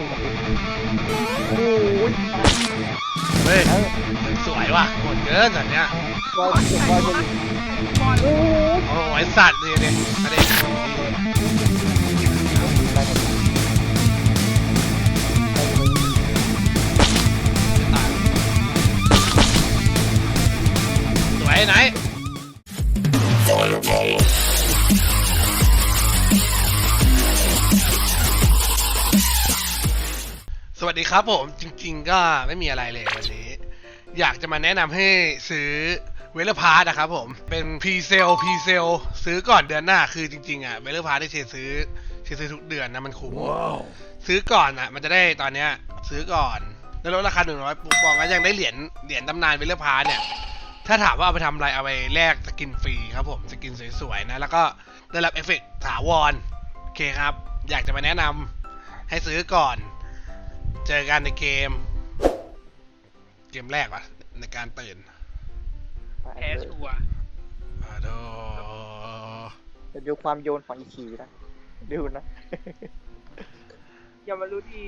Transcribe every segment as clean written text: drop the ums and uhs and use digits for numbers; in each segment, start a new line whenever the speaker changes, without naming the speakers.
โอ้ย
เฮ้ยสวยว่ะโหดเกินสัตว์เนี้ย
บอลบอลโอ้ย
โอ้ยสัตว์นี่เนี่ยอันนี้สวยไหนสวัสดีครับผมจริงๆก็ไม่มีอะไรเลยวันนี้อยากจะมาแนะนำให้ซื้อเวลพาร์ตนะครับผมเป็นพรีเซลซื้อก่อนเดือนหน้าคือจริงๆอ่ะเวลพาร์ตที่เชซื้อทุกเดือนนะมันคุ้ม ซื้อก่อนอ่ะมันจะได้ตอนเนี้ยซื้อก่อนแล้วลดราคา100ปุ๊บบอกว่ายังได้เหรียญตำนานเวลพาร์ตเนี่ยถ้าถามว่าเอาไปทำอะไรเอาไปแลกสกินฟรีครับผมสกินสวยๆนะแล้วก็ได้รับเอฟเฟกต์ถาวรโอเคครับอยากจะมาแนะนำให้ซื้อก่อนเจอกันในเกมแรกวะในการตื่น
แพ้ชัวร์
โด
จะดูความโยนของอีคีนะดูนะ
อย่ามารู้ดี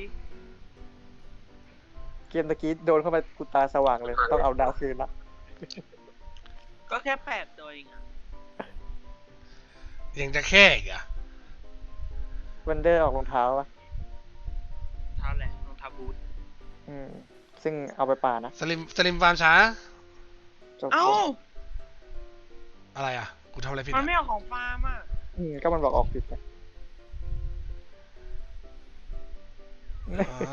เกมตะกี้โดนเข้าไปกูตาสว่างเลยต้องเอาดาวคืนละ
ก็แค่8ตัวเองอะ
ยังจะแค่อีกอ่ะ
วันเดอร์ออกรองเท้าปะ
เท้าแหละรองเท้าบูท
ซึ่งเอาไปป่านะ
สลิมฟาร์มช้า
จบ
เอ้า
อะไรอ่ะกูทำอะไรผิด
มัน
อ่ะ
ไม่เอาของฟาร์มอ่ะ
ก็มันบอกออกผิดไง
อ๋อ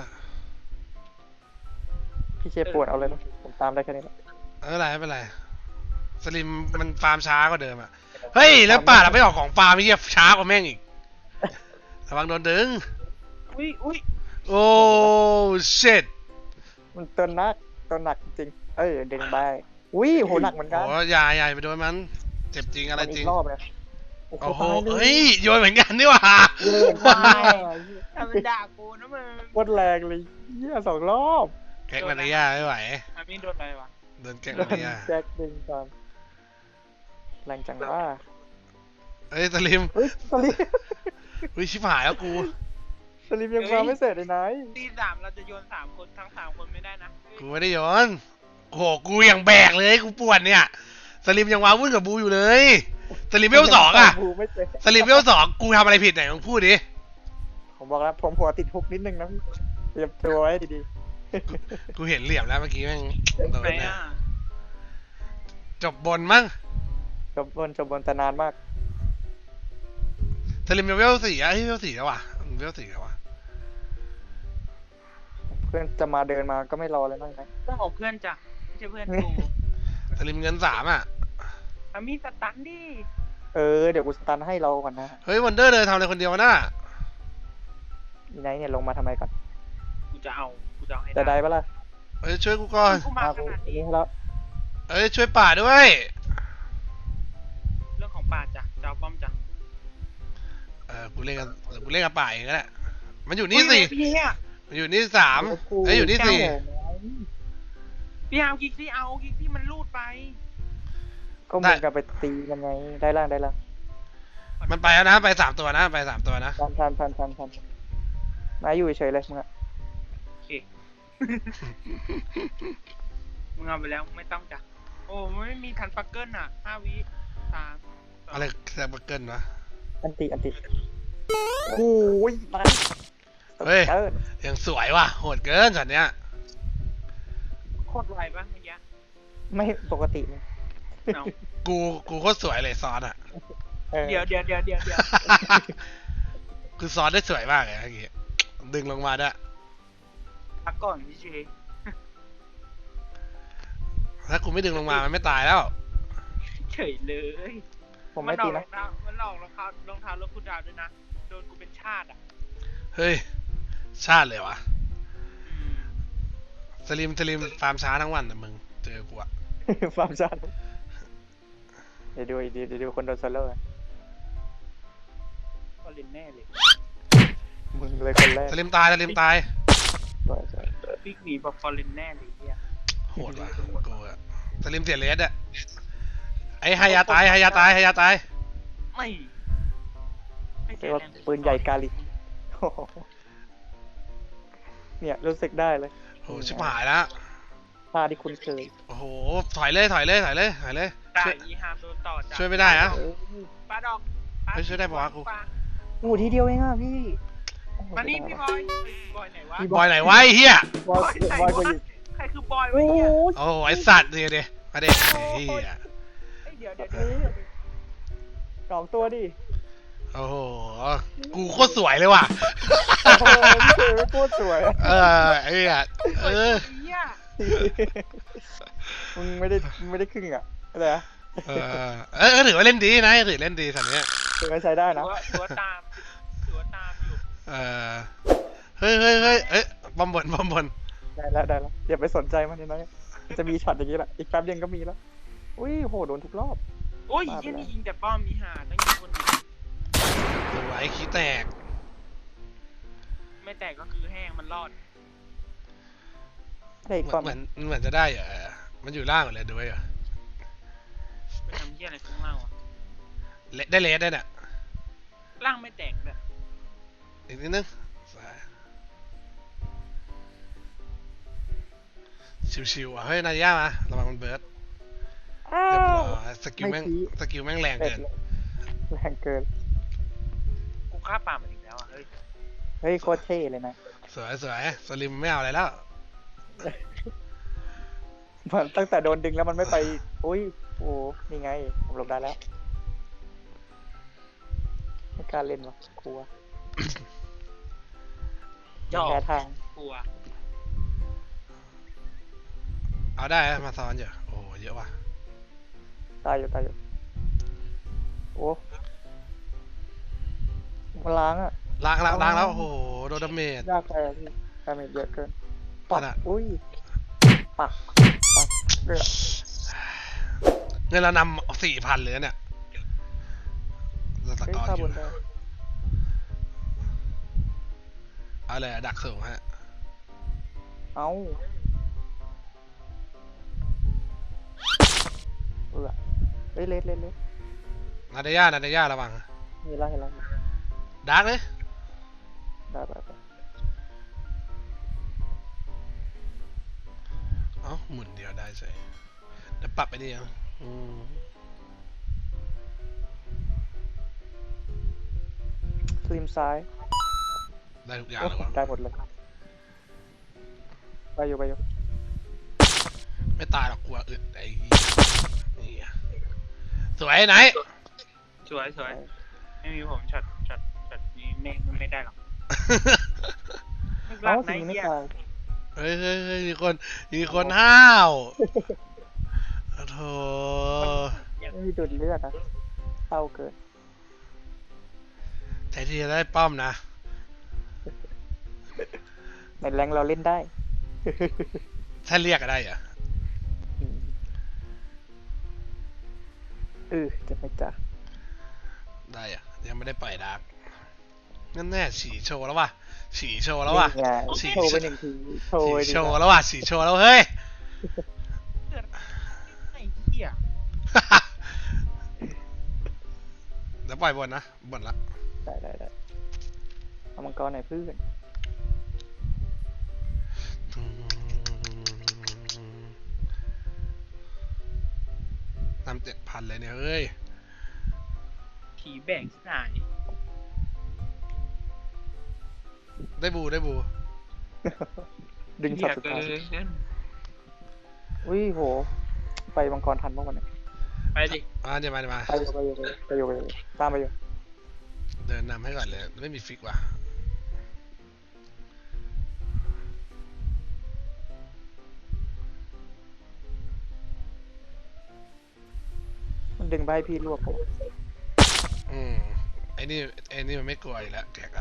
พี่เชฟปวดเอาเลยนะผมตามได้แค่นี้แหละ
ไม่เป็นไรสลิมมันฟาร์มช้ากว่าเดิมอ่ะเฮ้ยแล้วป่าเราไม่ออกของฟาร์มไม่เหี้ยช้ากว่าแม่งอีกระวังโดนดึง
อุ้ย
โอ้ชิต
มันตัวหนักจริงเด้งไปอุ้ยโหหนักเหมือนกัน
โอ้ใหญ่ไปโดนมันเจ็บจริงอะไร
มัน
จ
อี
ริง
กรอบเลย
โอ้โห
ตายล
เฮ้ยโยนเหมือนกันนี่หว่า
เลิกได้
ทำเป็นด่ากูนะมึง
โคตรแรงเลยเหี้ย2 รอบ
แก๊กมาริยาไม่ไหว
อามินโดนอะไรวะ
โดนแก๊ก
โด
มาน ริยา
แจ็คดึงก่อนแรงจังว่า
เฮ้ยสลิม
เฮ้ยสลิม
เฮ้ยชิบหายแล้วกู
สลิมยังมาไม่เสร็จเลยนาย
ตี3เราจะโยน3คนทั้ง3คนไม่ได้นะ
กูไม่ได้โยนโอ้โหกูยังแบกเลยกูปวดเนี่ยสลิมยังว้าวุ่นกับบูอยู่เลยสลิมเวล2อ่ะ
บูไม่เสร็จ
สลิมเวล2กูทำอะไรผิดไหนมึงพูดดิ
ผมบอกแล้วผมหัวติดฮุกนิดนึงนะเตรียมตัวไว้ดี
กูเห็นเหลี่ยมแล้วเมื่อกี้แม่งโดน
ไหน
นะ
อ่ะ
จบบนมั้ง
ๆจบบนแต่นานมาก
สลิมเวล4อ่ะเฮ้ยเวล4แล้วว่ะเวล4แล้วว่ะ
เพื่อนจะมาเดินมาก็ไม่รอเลยนั่งนะ
เรื่องของเพื่อนจ้ะไม่ใช่เพื่อนกู
สลิมเงิน3อ่ะ
อามินสตันดิ
เดี๋ยวกูสตันให้เราก่อนนะ
เฮ้ยวันเดอร์เดินทำอะไรคนเดียววะน่ะ
อีไนท์เนี่ยลงมาทำไมก่อน
กูจะเอาให้
จะได้ปะล่ะ
เฮ้ยช่วยกูก่อน
กูมาข
กู
นาดนี้
นี่แล้ว
เฮ้ยช่วยป่าด้วย
เรื่องของป่าจ้ะจะเอาป้อมจ้ะ
กูเล่นกับป่าเองก็ได้มันอยู่นี่สิ
พี่เนี่ย
มันอยู่นี่3เฮ้ยอยู่นี่4
พี่เอาคิกซี่เอาคิกซี่มันลูดไป
ก็เหมือนกับไปตีมันไงได้ล่าง
มันไปแล้วนะไป3ตัวนะไป3ตัวนะ
ทันนายอยู่เฉยเลยมึงอะ
โอเค มึงเอาไปแล้วไม่ต้องจ้ะโอ้ไม่มีทันปักเกิลอ่ะ5 วิ3
อะไรแซมเบอร์เกิลวะ
อันติโอ้ยนาย
เฮ้ย
เกิน
ยังสวยว่ะโหดเกินสัตว์เนี้ย
โคตรไวปะเมื่อกี้
ไม่ปกติเลย
เอา
กูโคตรสวยเลยซอนอ่ะ
เดี๋ยว
คือซอนได้สวยมากเลยเมื่อกี้ดึงลงมาด้วย
พักก่อนพี่เจ
ถ้ากูไม่ดึงลงมามันไม่ตายแล้ว
เฉยเลย
ผมไม่ตีนะ
มันหลอกรองเท้ารถคุณดาวด้วยนะโดนกูเป็นชาติอ่ะ
เฮ้ยชาติเลยวะสลิมฟาร์มช้าทั้งวันแต่มึงเจอกูอะ
ฟาร์มชันเดี๋ยวดูคนโดนโซโล่อะ
ก็เล่นแน่เลย
มึงเลยคนแรก
สลิมตาย
สวย
บิ๊กหนีบอกฟอร์เรนแน่เลยเนี่ย
โหดว่ะกูอะสลิมเสียเลสอะไอ้ฮายาตาย
ไม่
เรียก
เสีย
ว่า
แรง
ปืนใหญ่กาลิโอ้โหเนี่ยรู้สึกได้เลย
โอ้ชิบหายแล้ว
ท่าที่คุ้นเคย
โอ้โหถอยเลยถอยเลยถอยเลยถอยเลย
ได้
ช่วย
อีฮามโดนต่อจาก
ช่วยไม่ได้อะ
เอ้ย
ปลาดอก
เฮ้ยช่วยได้ปะวะกู
โอ้ทีเดียวเองอ่ะพี่โอ้โห
มานี่
เสี
พี่
ย
บ
ดาย
อยเฮ้ยบอยไหนวะ
พี่
บอยไหนวะไอ้เหี้ย
บอย
ไหน
บอยว
ะ
ก็อยู่
ใครคือบอย
โอ้
วะ
โห
เนี่ย
โอ้โหไอสัตว์เนี่ยเดมาเด็กเหี้ย
เฮ้ยเดี๋ยว
สองตัวดิ
โอ้โหกูโคตรสวยเลยว่ะ
โอ้โหพี่เจไม่โคตรสวย
เออไอ้เหี้ยเออ
เหี้ย
มึงไม่ได้ครึ่งอ่ะอะไรนะ
ถือว่าเล่นดีนะถือเล่นดีสันเนี้ย
ถือว่าใช้ได้นะ
ถือว่าตามอยู่
เออเฮ้ยเฮ้ยเฮ้ยเอ้ยบอมบนบอมบน
ได้แล้วอย่าไปสนใจมันนี่นะมันจะมีช็อตอย่างนี้แหละอีกแป๊บเดียวก็มีแล้วอุ้ยโหโดนทุกรอบ
โอ้ยเหี้ยนี่ยิงแต่ป้อมมีหาต้องยิงคนเดียว
สวยขี้แตก
ไม่แตกก็คือแห้งมันรอด
ได้อีกก่อน
เหมือนจะได้เหรอมันอยู่ล่างหมดเลยดูไว้เหรอ
ไปทำเหี้ยอะไรข้างล่างวะ
ได้เลสได้เนี่ย
ล่างไม่แตกเลย
อีกนิดนึงชิวๆอ่ะเฮ้ยนายย่ามาระวังมันเบิร์ด
อ้า
เรียบ
ว
ร้อยสกิลแม่ง
ไม่ชี้
สกิลแม่งแรงเกิน
แรงเกิน
กูฆ่าป่ามันอีกแล้วอ่ะเฮ้ย
เฮ้ยโคตรเท่เลยนะ
สวยสลิมไม่เอาอะไรแล้ว
มันตั้งแต่โดนดึงแล้วมันไม่ไปอุ้ยโอ้นี่ไงผมหลบได้แล้วไม่กล้าเล่นวะกลัว
จ่อ
แพ้ทาง
กลัว
เอาได้มาซ้อนเยอะโอ้เยอะว่ะ
ตายอยู่โอ้มันล้างอ่ะ
ล้างแล้วโอ้โหโดนดาเมจ
ยากไปอะพี่ดาเมจเยอะเกินปัก
ขนาด
อุ้ยปักเดือด
เงินเรานำ4,000เลยเนี่ยเราส
เฮ้ย
กอร์
ข้า
อบ ยู่
นได้
เอาเลยดักสูงฮะ
เอ้าเฮ้ยเล็ด
นาเดย่าระวัง
เห็นแล้ว
ดักเลย
ได้
เอ้าหมุนเดียวได้ใช่เดี๋ยวปรับไปดิยัง
คลิมซ้าย
ได้ทุกอย่าง
โอ้
เลยวะ
ได้หมดเลยไปอยู่
ไม่ตายหรอกกลัวอึดไอ้เหี้ยนี่อะสวยไหน
สวยไม่มีผมช็อตนี้ไม่ได้หรอก
เอ้า
ไหน
สีไม่
เหี้ย
ตาย
เฮ้ยมีคนห้าวโธ่
ไม่มีดูดเลือดนะเศร้าเกิน
ใจที่จะได้ป้อมนะ
ในแรงเราเล่นได้
ถ้าเรียกก็ได้เหรอ
จะไม่จ้ะ
ได้เหรอะยังไม่ได้ปล่อยดาร์กนั่นแน่ฉีโชว์แล้วว่ะฉีโชว์แล้วว่ะ
นี่ไง
ฉี่
โชว์ไปหนึ่งทีโชว์ไป
ฉี
ดี
โชว์
นะ
แล้วว่ะฉีโชว์แล้วเฮ้ย
ไอ้เหี้ย
เดี๋ยวปล่อยบนนะบนละ
ได้เอามังกรหน่อยเพื่อน
นำ7,000เลยเนี่ยเฮ้ย
ผีแบ่งที่ไหน
ได้บู
ดึงช็อตสุดท้ายอุ้ยโห ไปมังกรทันเมื่อวันนี้
ไปดิ
เดี๋ยวมา
ไปอยู่ตามไปอยู่
เดินนำให้ก่อนเลยไม่มีฟิกว่ะ
มันดึงไปให้พี่รวบผม
ไอ้นี่มันไม่กลัวอยู่แล้วแกกอะ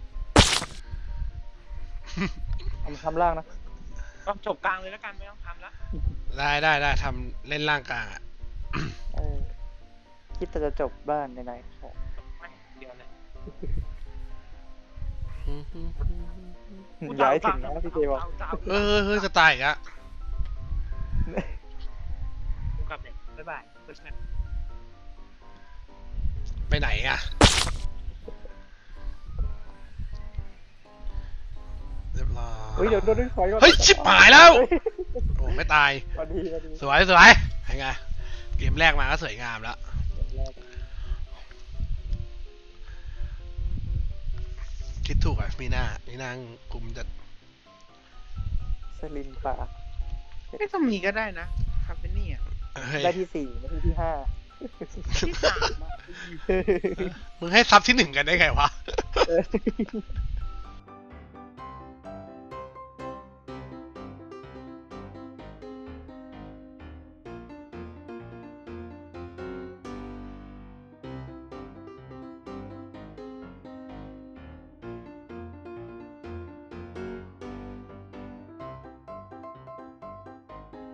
ทำล่างนะ
ก็จบกลางเลยแล้วกันไม่ต้องทำละ
ได้ทำเล่นล่างกลางอะ
คิดแต่จะจบบ้านไหน
ไม่เดียวเลย
ย้ายถึงนะพี่เจบอก
เฮ้ยจะตายอีกอะ
กูกลับเลยบ๊ายบายเพื่อน
ไปไหนอะเรียบ
เฮ้ยเดี๋ยวโดนด้วยคอยก่อน
เฮ้ยชิบหายแล้ว โอ้ไม่ตาย
พอดีพอดี
สวยสวยยังไงเกมแรกมาก็สวยงามแล้ว คิดถูกอ่ะมีหน้ากลุ่มจะ
สลิมป่า
ไม่ต้องมีก็ได้นะคาเฟนี่อ่ะ
เฮ้ย
ได้ที่4ไม่ใช่ที่5
ที่สามอะ
มึงให้ซับที่ 1กันได้ไงวะ
เออ